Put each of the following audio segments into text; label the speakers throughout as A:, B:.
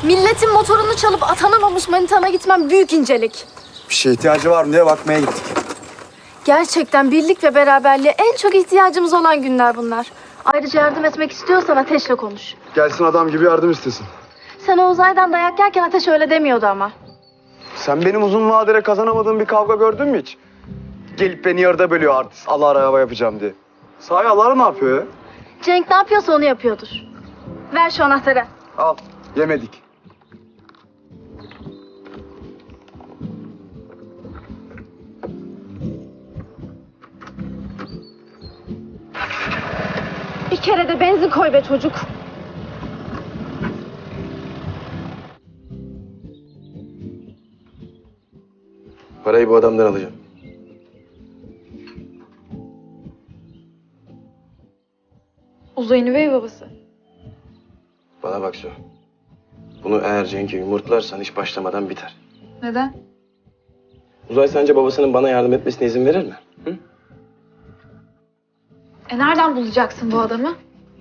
A: Milletin motorunu çalıp atanamamış manitana gitmem büyük incelik.
B: Bir şeye ihtiyacı var mı diye bakmaya gittik.
A: Gerçekten birlik ve beraberliğe en çok ihtiyacımız olan günler bunlar. Ayrıca yardım etmek istiyorsan Ateş'le konuş.
B: Gelsin adam gibi yardım istesin.
A: Sen o uzaydan dayak yerken Ateş öyle demiyordu ama.
B: Sen benim uzun vadede kazanamadığım bir kavga gördün mü hiç? Gelip beni yarıda bölüyor artist. Allah araba yapacağım diye. Sahi Allah ne yapıyor ya?
A: Cenk ne yapıyorsa onu yapıyordur. Ver şu anahtarı.
B: Al. Yemedik.
A: Bir kere de benzin koy be çocuk.
C: Parayı bu adamdan alacağım.
A: Uzay'ın üvey babası.
C: Bana bak Su. Bunu eğer Cenk'e yumurtlarsan iş başlamadan biter.
A: Neden?
C: Uzay sence babasının bana yardım etmesine izin verir mi? Hı?
A: Nereden bulacaksın bu adamı?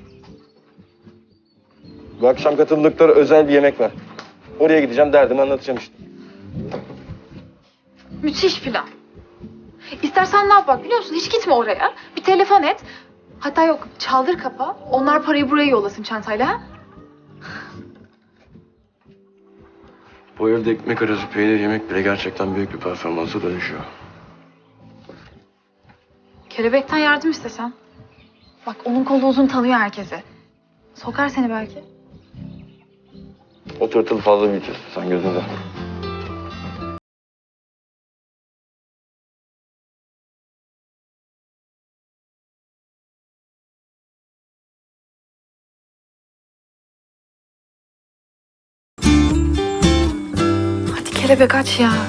C: Bu akşam katıldıkları özel bir yemek var. Oraya gideceğim, derdimi anlatacağım işte.
D: Müthiş plan. İstersen ne yap bak biliyor musun? Hiç gitme oraya. Bir telefon et. Hatta yok çaldır kapa. Onlar parayı buraya yollasın çantayla. Ha?
C: Bu evde ekmek arası peynir yemek bile gerçekten büyük bir performansa dönüşüyor.
D: Kelebekten yardım istesen. Bak onun kolu uzun tanıyor herkesi. Sokar seni belki.
C: O tırtıl fazla büyütür. Sen gözünü de.
D: Hadi kelebek aç ya.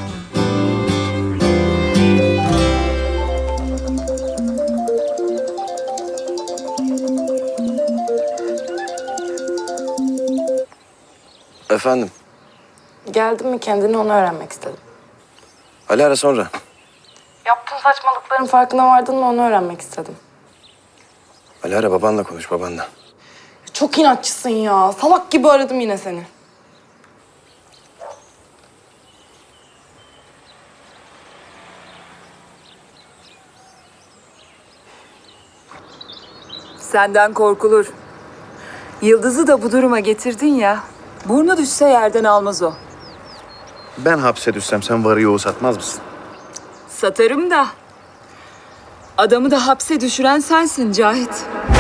C: Efendim?
E: Geldin mi kendini onu öğrenmek istedim.
C: Ali ara sonra.
E: Yaptığın saçmalıkların farkına vardın mı onu öğrenmek istedim.
C: Ali ara babanla konuş babanla.
E: Çok inatçısın ya. Salak gibi aradım yine seni.
F: Senden korkulur. Yıldız'ı da bu duruma getirdin ya. Burnu düşse yerden almaz o.
B: Ben hapse düşsem sen varı yoğu satmaz mısın?
F: Satarım da. Adamı da hapse düşüren sensin Cahit.